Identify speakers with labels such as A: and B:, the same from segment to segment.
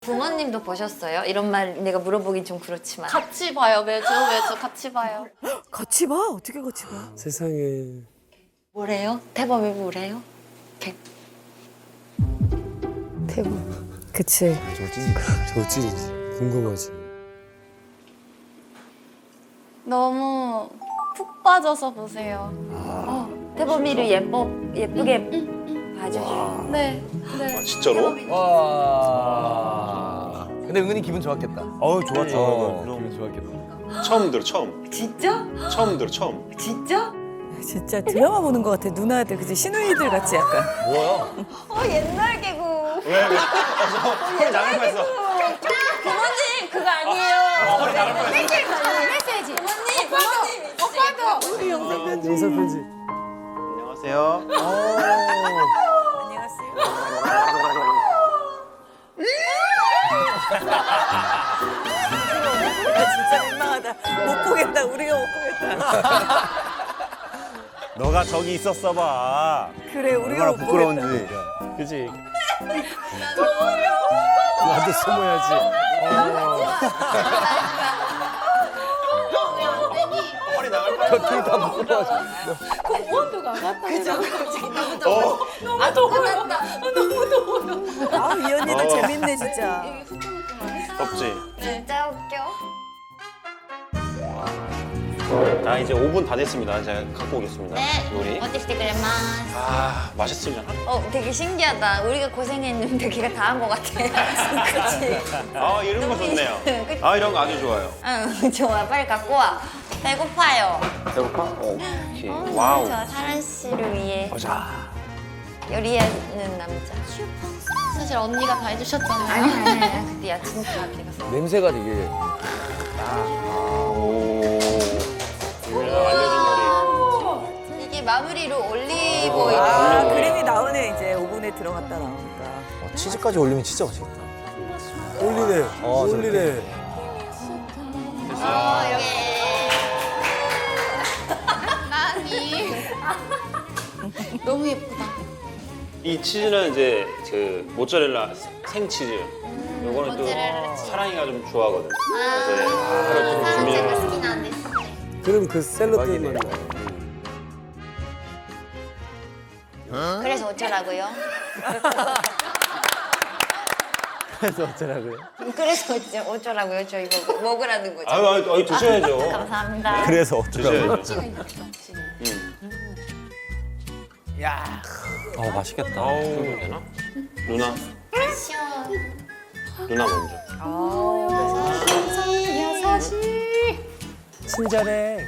A: 부모님도 보셨어요? 이런 말 내가 물어보긴 좀 그렇지만.
B: 같이 봐요. 매주 같이 봐요.
C: 같이 봐? 어떻게 같이 봐?
D: 세상에.
A: 뭐래요? 태범이 뭐래요?
C: 태국. 그치.
D: 저 찐이지. 궁금하지.
B: 너무 푹 빠져서 보세요.
A: 태범이를 예쁘게 봐주시고.
B: 네. 네.
E: 아, 진짜로?
F: 와. 근데 은근히 기분 좋았겠다.
E: 어우 좋았죠.
F: 기분 좋았겠다.
E: 처음 들어 처음.
A: 진짜?
E: 처음 들어 처음.
A: 진짜?
C: 진짜 드라마 보는 것 같아. 누나들, 그치? 시누이들 같이 약간.
F: 뭐야?
A: 옛날 개구.
E: 왜? 왜? 나갈 뻔했어.
A: 부모님 그거 아니에요. 메시지. 부모님. 오빠도.
D: 영상 편지.
E: 안녕하세요.
C: 안녕하세요. 진짜 민망하다. 못 보겠다. 우리가 못 보겠다.
G: 너가 저기 있었어 봐.
C: 그래, 우리가
G: 얼마나
C: 못
G: 부끄러운지.
C: 보겠다.
G: 그지?
D: 나도 숨어야지.
E: 허리 나갈 뻔.
F: 둘다 부끄러워져.
C: 아, 이 언니들 재밌네, 진짜.
E: 덥지.
A: 진짜 웃겨.
E: 자 이제 5분 다 됐습니다. 제가 갖고 오겠습니다. 요리.
A: 어떻게 그래마스.
E: 아 맛있으려나?
A: 되게 신기하다. 우리가 고생했는데 걔가 다 한 것 같아. 그치?
E: 아 이런 거 좋네요.
A: 그치?
E: 아 이런 거 아주 좋아요.
A: 응, 좋아. 빨리 갖고 와. 배고파요.
E: 배고파? 오케이. 와우.
A: 저 사란 씨를 위해
E: 보자.
A: 요리하는 남자.
B: 사실 언니가 다 해주셨잖아요.
A: 아니야. 근데 야 진짜 내가
F: 냄새가 되게.
E: 오. 유명한 알려진
A: 이게 마무리로 올리브 오일.
C: 아, 그림이 나오네, 이제. 오븐에 들어갔다 나오니까.
F: 치즈까지 올리면 진짜 맛있겠다.
D: 올리네. 올리네.
B: 많이. 너무 예쁘다.
E: 이 치즈는 이제 그 모짜렐라 생치즈. 요거는 또
A: 모짜렐라 치즈.
E: 사랑이가 좀 좋아하거든. 그래서 하루 좀 준비해.
D: 그럼 그 샐러드만 나.
A: 그래서 어쩌라고요?
G: 그래서 어쩌라고요?
A: 그래서 어쩌라고요? 저 이거 먹으라는 거죠.
E: 아유 드셔야죠.
A: 감사합니다.
G: 그래서 어쩌라고요?
E: 드셔야죠.
F: 야. 맛있겠다.
E: 아우 되나? 누나. 누나 먼저.
D: 친절해.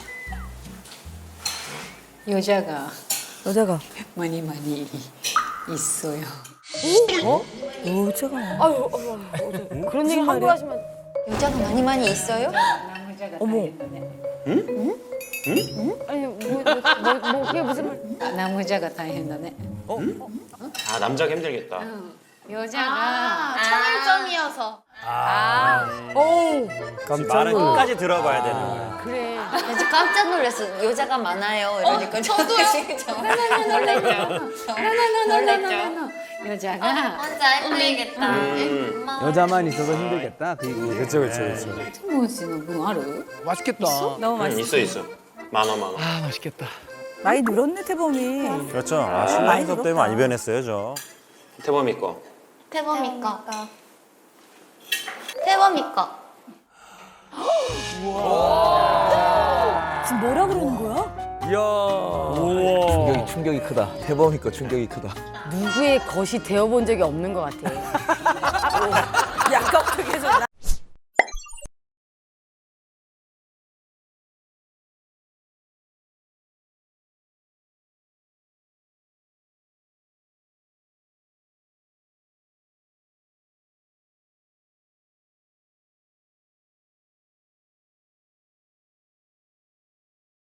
H: 여자가
C: 여자가.
H: 많이 있어요.
C: 여자가.
H: 그런 얘기 함부로 하시면
A: 여자가 많이 있어요?
H: 남자가
C: 어머.
H: 아니 뭐 그게 무슨 말? 남자가 다 했다네.
E: 아 남자가 힘들겠다.
H: 여자가
B: 차별점이어서.
D: 깜짝
G: 말은
D: 놀라.
G: 끝까지 들어봐야 되는 거야.
H: 그래.
A: 진짜 깜짝 놀랐어. 여자가 많아요. 이러니까
B: 저도요.
A: 놀랬죠.
H: 여자가
A: 혼자 힘들겠다. 엄마.
F: 여자만 있어서 힘들겠다. 그 얘기.
D: 그렇죠.
H: 무슨 분 알아?
F: 맛있겠다.
C: 너무 맛있어.
E: 있어. 많아.
F: 아 맛있겠다.
C: 많이 늘었네, 태범이.
G: 그렇죠.
C: 많이
G: 신랑 수업
C: 늘었다.
G: 때문에 많이 변했어요, 저.
E: 태범이 거.
B: 태범이 거. 태범이 거.
C: 지금 뭐라 그러는 거야?
D: 이야.
F: 충격이 크다. 태범이 거 충격이 크다.
H: 누구의 것이 되어본 적이 없는 것 같아.
C: 약간 어떻게 해서